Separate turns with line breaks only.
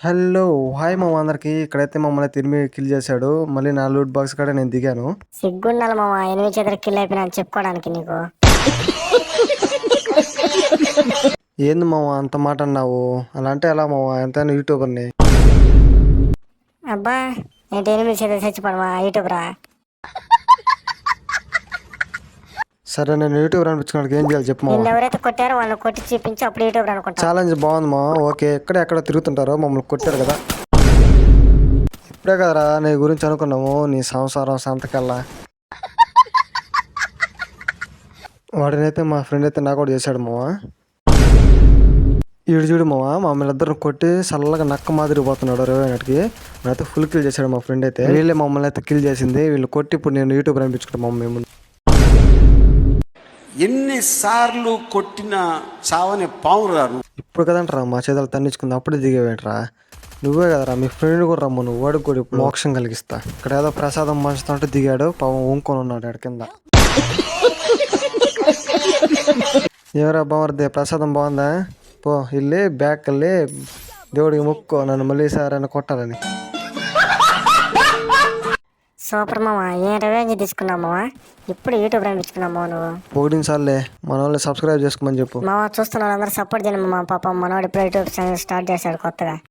Hello hi మామ అందరికి. ఇక్కడైతే మమ్మల్ని తిరిగి కిల్ చేశాడు. మళ్ళీ నా లూట్ బాక్స్ కాడ నేను దిగాను.
సిగ్గుండాలి మామ, 8 చేతులు కిల్ అయిపోయినా అని చెప్పుకోవడానికి నీకు.
ఏంది మామ అంత మాట అన్నావు? అలా అంటే ఎలా మామ? ఎంతైనా యూట్యూబర్ని.
అబ్బా ఏంటి 8 చేతులు చచ్చిపోవడమా యూట్యూబరా?
సరే నేను యూట్యూబర్ అనిపించుకోవడానికి ఏం చేయాలి చెప్పు మామ.
నిన్ను ఎవరైతే కొట్టారో వాళ్ళని కొట్టి చూపించి అప్పుడు యూట్యూబర్ అనుకుంటా.
ఛాలెంజ్ బాగుంది మామ. ఓకే, ఎక్కడ తిరుగుతుంటారో మమ్మల్ని కొట్టారు కదా. ఇప్పుడే కదరా నీ గురించి అనుకున్నాము, నీ సంసారం సంతకల్లా. వాడినైతే మా ఫ్రెండ్ అయితే నాకు కూడా చేశాడు మామ. ఈడు చూడు మామ, మమ్మల్ని ఇద్దరు కొట్టి చల్లగా నక్క మాదిరి పోతున్నాడు 20 అయితే ఫుల్ కిల్ చేశాడు మా ఫ్రెండ్ అయితే. వీళ్ళే మమ్మల్ని అయితే కిల్ చేసింది. వీళ్ళు కొట్టి ఇప్పుడు నేను యూట్యూబ్ అనిపించుకుంటాను మమ్మల్ని మేము.
ఎన్నిసార్లు కొట్టిన చావని పావురా.
ఇప్పుడు కదంటరా మా చేతులు తన్నించుకుంది, అప్పుడే దిగేవేంట్రా? నువ్వే కదరా, మీ ఫ్రెండ్ కూడా రమ్ము, నువ్వు వాడికి కూడా ఇప్పుడు మోక్షం కలిగిస్తా. ఇక్కడ ఏదో ప్రసాదం పంచుతుంటే దిగాడు, పాపం ఊంకొని ఉన్నాడు ఆడ కింద. ఎవరా బామర్దే, ప్రసాదం బాగుందా? పో వెళ్ళి బ్యాక్ వెళ్ళి దేవుడికి మొక్కో, నన్ను మళ్ళీ సార్ అని కొట్టాలని.
సూపర్ మామ, ఏం రివెంజ్ తీసుకున్నావు మామ? ఇప్పుడు యూట్యూబర్ అనిపించుకున్నావు మామ నువ్వు.
పొగిడినసార్లే మన వాళ్ళని సబ్స్క్రైబ్ చేసుకోమని చెప్పు
మామ చూస్తున్న వాళ్ళందరూ సపోర్ట్ చేయండి మామ. పాపం మనవాడు ఇప్పుడు యూట్యూబ్ ఛానల్ స్టార్ట్ చేశాడు కొత్తగా.